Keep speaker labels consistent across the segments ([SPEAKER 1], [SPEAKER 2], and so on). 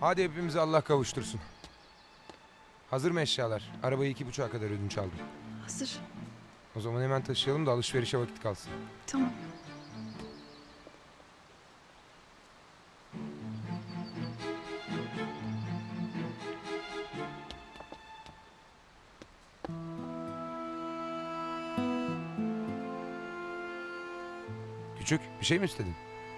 [SPEAKER 1] Hadi hepimizi Allah kavuştursun. Hazır mı eşyalar? Arabayı 2.30'a kadar ödünç aldım.
[SPEAKER 2] Hazır.
[SPEAKER 1] O zaman hemen taşıyalım da alışverişe vakit kalsın.
[SPEAKER 2] Tamam.
[SPEAKER 1] Küçük, bir şey mi istedin?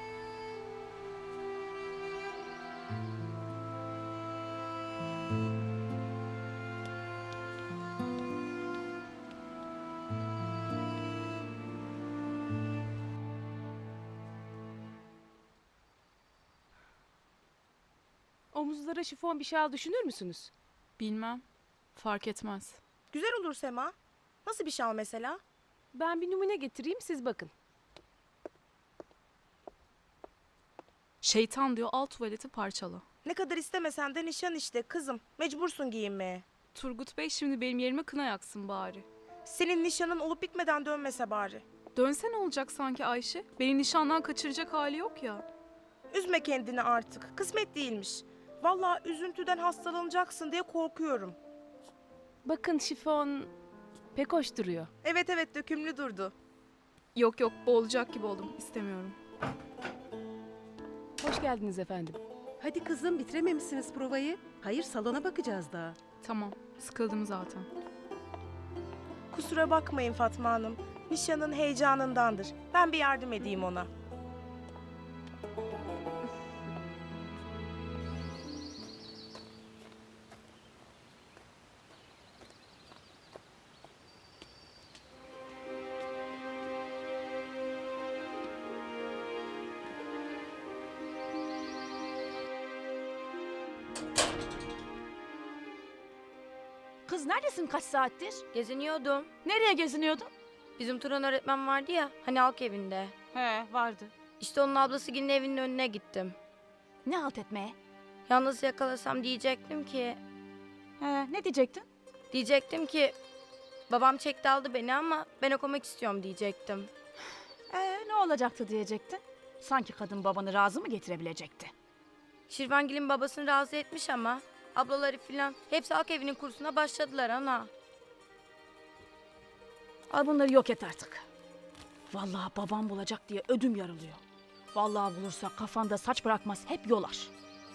[SPEAKER 3] Omuzlara şifon bir şal düşünür müsünüz?
[SPEAKER 2] Bilmem. Fark etmez.
[SPEAKER 4] Güzel olur Sema. Nasıl bir şal mesela?
[SPEAKER 3] Ben bir numune getireyim, siz bakın.
[SPEAKER 2] Şeytan diyor, al tuvaleti parçala.
[SPEAKER 4] Ne kadar istemesen de nişan işte kızım. Mecbursun giyinmeye.
[SPEAKER 2] Turgut Bey şimdi benim yerime kına yaksın bari.
[SPEAKER 4] Senin nişanın olup bitmeden dönmese bari.
[SPEAKER 2] Dönse ne olacak sanki Ayşe? Beni nişandan kaçıracak hali yok ya.
[SPEAKER 4] Üzme kendini artık. Kısmet değilmiş. Vallahi üzüntüden hastalanacaksın diye korkuyorum.
[SPEAKER 3] Bakın şifon pek hoş duruyor.
[SPEAKER 4] Evet evet dökümlü durdu.
[SPEAKER 2] Yok yok, boğulacak gibi oldum. İstemiyorum.
[SPEAKER 3] Hoş geldiniz efendim.
[SPEAKER 5] Hadi kızım bitirememişsiniz provayı. Hayır salona bakacağız daha.
[SPEAKER 2] Tamam, sıkıldım zaten.
[SPEAKER 4] Kusura bakmayın Fatma Hanım. Nişanın heyecanındandır. Ben bir yardım edeyim ona.
[SPEAKER 6] Kız neredesin kaç saattir?
[SPEAKER 7] Geziniyordum.
[SPEAKER 6] Nereye geziniyordun?
[SPEAKER 7] Bizim Turan öğretmen vardı ya, hani halk evinde.
[SPEAKER 6] He vardı.
[SPEAKER 7] İşte onun ablası Gül'ün evinin önüne gittim.
[SPEAKER 6] Ne halt etmeye?
[SPEAKER 7] Yalnız yakalasam diyecektim ki...
[SPEAKER 6] He ne diyecektin?
[SPEAKER 7] Diyecektim ki... Babam çekti aldı beni ama ben okumak istiyorum diyecektim.
[SPEAKER 6] Ne olacaktı diyecektin? Sanki kadın babanı razı mı getirebilecekti?
[SPEAKER 7] Şirvangil'in babasını razı etmiş ama... Ablaları filan hepsi halk evinin kursuna başladılar ana.
[SPEAKER 6] Al bunları yok et artık. Vallahi babam bulacak diye ödüm yarılıyor. Vallahi bulursa kafanda saç bırakmaz hep yolar.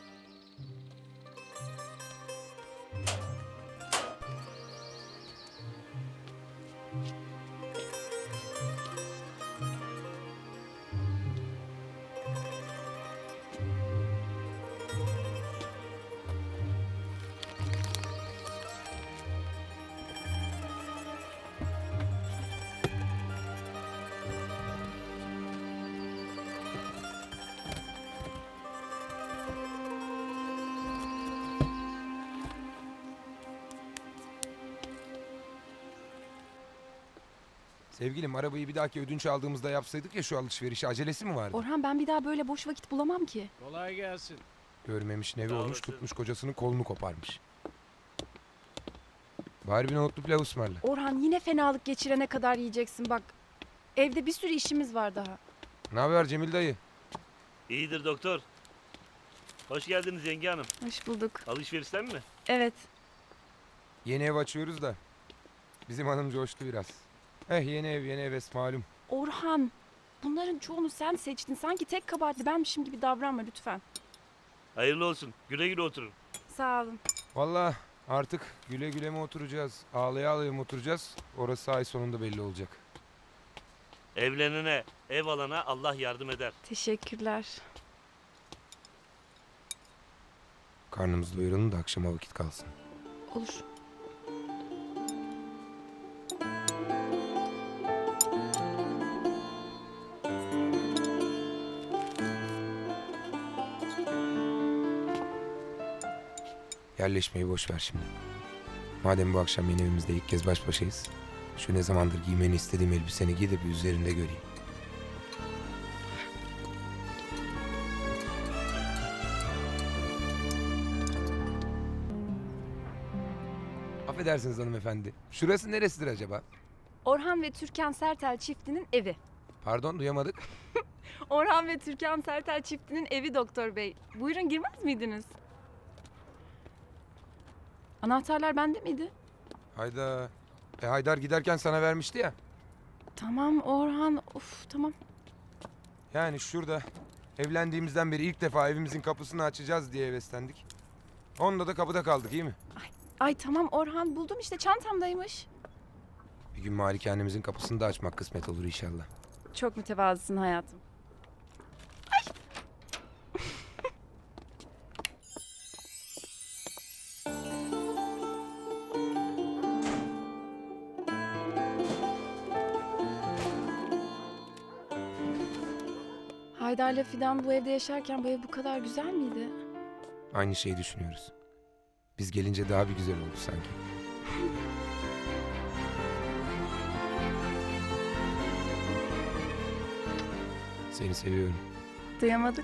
[SPEAKER 1] Sevgilim, arabayı bir dahaki ödünç aldığımızda yapsaydık ya şu alışverişi, acelesi mi vardı?
[SPEAKER 2] Orhan, ben bir daha böyle boş vakit bulamam ki.
[SPEAKER 8] Kolay gelsin.
[SPEAKER 1] Görmemiş nevi
[SPEAKER 8] Sağ
[SPEAKER 1] olmuş,
[SPEAKER 8] olasın.
[SPEAKER 1] tutmuş kocasının kolunu koparmış. Bari bir nohutlu pilav ısmarla.
[SPEAKER 2] Orhan, yine fenalık geçirene kadar yiyeceksin bak. Evde bir sürü işimiz var daha.
[SPEAKER 1] Ne haber Cemil dayı?
[SPEAKER 8] İyidir doktor. Hoş geldiniz yenge hanım.
[SPEAKER 2] Hoş bulduk.
[SPEAKER 8] Alışverişten mi?
[SPEAKER 2] Evet.
[SPEAKER 1] Yeni ev açıyoruz da. Bizim hanım coştu biraz. Yeni ev yeni heves malum.
[SPEAKER 2] Orhan, bunların çoğunu sen seçtin. Sanki tek kabahatli benmişim gibi davranma lütfen.
[SPEAKER 8] Hayırlı olsun. Güle güle oturun.
[SPEAKER 2] Sağ olun.
[SPEAKER 1] Vallahi artık güle güle mi oturacağız, ağlaya ağlaya mı oturacağız? Orası ay sonunda belli olacak.
[SPEAKER 8] Evlenene, ev alana Allah yardım eder.
[SPEAKER 2] Teşekkürler.
[SPEAKER 1] Karnımızı doyuralım da akşama vakit kalsın.
[SPEAKER 2] Olur.
[SPEAKER 1] Yerleşmeyi boş ver şimdi. Madem bu akşam yeni evimizde ilk kez baş başayız, şu ne zamandır giymeni istediğim elbiseni giy de bir üzerinde göreyim. Affedersiniz hanımefendi. Şurası neresidir acaba?
[SPEAKER 2] Orhan ve Türkan Sertel çiftinin evi.
[SPEAKER 1] Pardon, duyamadık.
[SPEAKER 2] Orhan ve Türkan Sertel çiftinin evi doktor bey. Buyurun, girmez miydiniz? Anahtarlar bende miydi?
[SPEAKER 1] Hayda. Haydar giderken sana vermişti ya.
[SPEAKER 2] Tamam Orhan. Of tamam.
[SPEAKER 1] Yani şurada evlendiğimizden beri ilk defa evimizin kapısını açacağız diye heveslendik. Onunla da kapıda kaldık, iyi mi?
[SPEAKER 2] Ay tamam Orhan, buldum işte, çantamdaymış.
[SPEAKER 1] Bir gün malikanemizin kapısını da açmak kısmet olur inşallah.
[SPEAKER 2] Çok mütevazısın hayatım. Haydar'la Fidan bu evde yaşarken bu ev bu kadar güzel miydi?
[SPEAKER 1] Aynı şeyi düşünüyoruz. Biz gelince daha bir güzel oldu sanki. Seni seviyorum.
[SPEAKER 2] Duyamadık.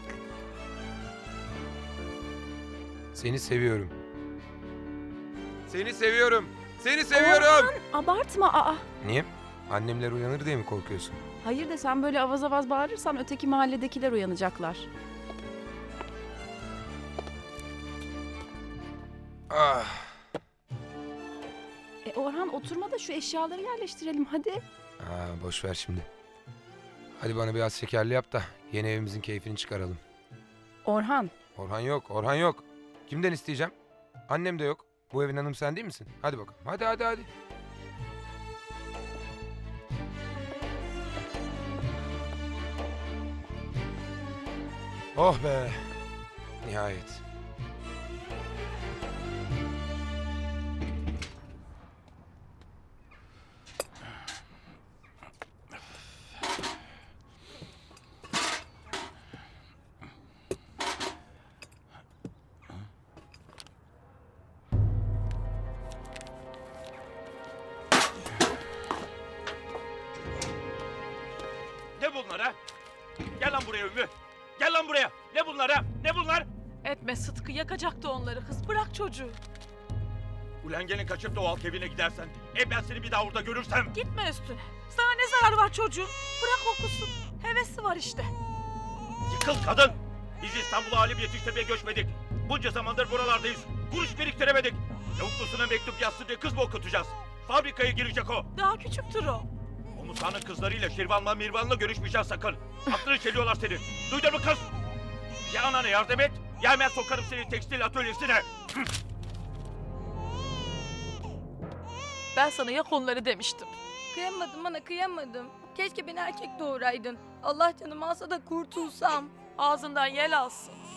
[SPEAKER 1] Seni seviyorum. Seni seviyorum. Seni seviyorum.
[SPEAKER 2] Abartma aa.
[SPEAKER 1] Niye? Annemler uyanır diye mi korkuyorsun?
[SPEAKER 2] Hayır de sen böyle avaz avaz bağırırsan öteki mahalledekiler uyanacaklar.
[SPEAKER 1] Ah.
[SPEAKER 2] Orhan oturma da şu eşyaları yerleştirelim hadi.
[SPEAKER 1] Boş ver şimdi. Hadi bana biraz şekerli yap da yeni evimizin keyfini çıkaralım.
[SPEAKER 2] Orhan.
[SPEAKER 1] Orhan yok, Orhan yok. Kimden isteyeceğim? Annem de yok. Bu evin hanım sen değil misin? Hadi bakalım. Hadi. Oh be. Nihayet.
[SPEAKER 8] Ne bunlar ha? Gel lan buraya Ümmü. Gel lan buraya. Ne bunlar ha? Ne bunlar?
[SPEAKER 9] Etme Sıtkı, yakacaktı onları kız. Bırak çocuğu.
[SPEAKER 8] Ulan gelin kaçıp da o halk evine gidersen. Ben seni bir daha orada görürsem.
[SPEAKER 9] Gitme üstüne. Sana ne zararı var çocuğun? Bırak okusun. Hevesi var işte.
[SPEAKER 8] Yıkıl kadın. Biz İstanbul'a alim yetiştirmeye göçmedik. Bunca zamandır buralardayız. Kuruş biriktiremedik. Yavuklusuna mektup yazsın diye kız mı okutacağız? Fabrikaya girecek o.
[SPEAKER 9] Daha küçüktür o.
[SPEAKER 8] O Musa'nın kızlarıyla Şirvan'la Mirvan'la görüşmeyeceksin sakın. Aklını çeliyorlar seni. Duydun mu kız? Ya anana yardım et, ya hemen sokarım seni tekstil atölyesine.
[SPEAKER 9] Ben sana yak onları demiştim.
[SPEAKER 7] Kıyamadım ana, kıyamadım. Keşke beni erkek doğuraydın. Allah canımı alsa da kurtulsam.
[SPEAKER 9] Ağzından yel alsın.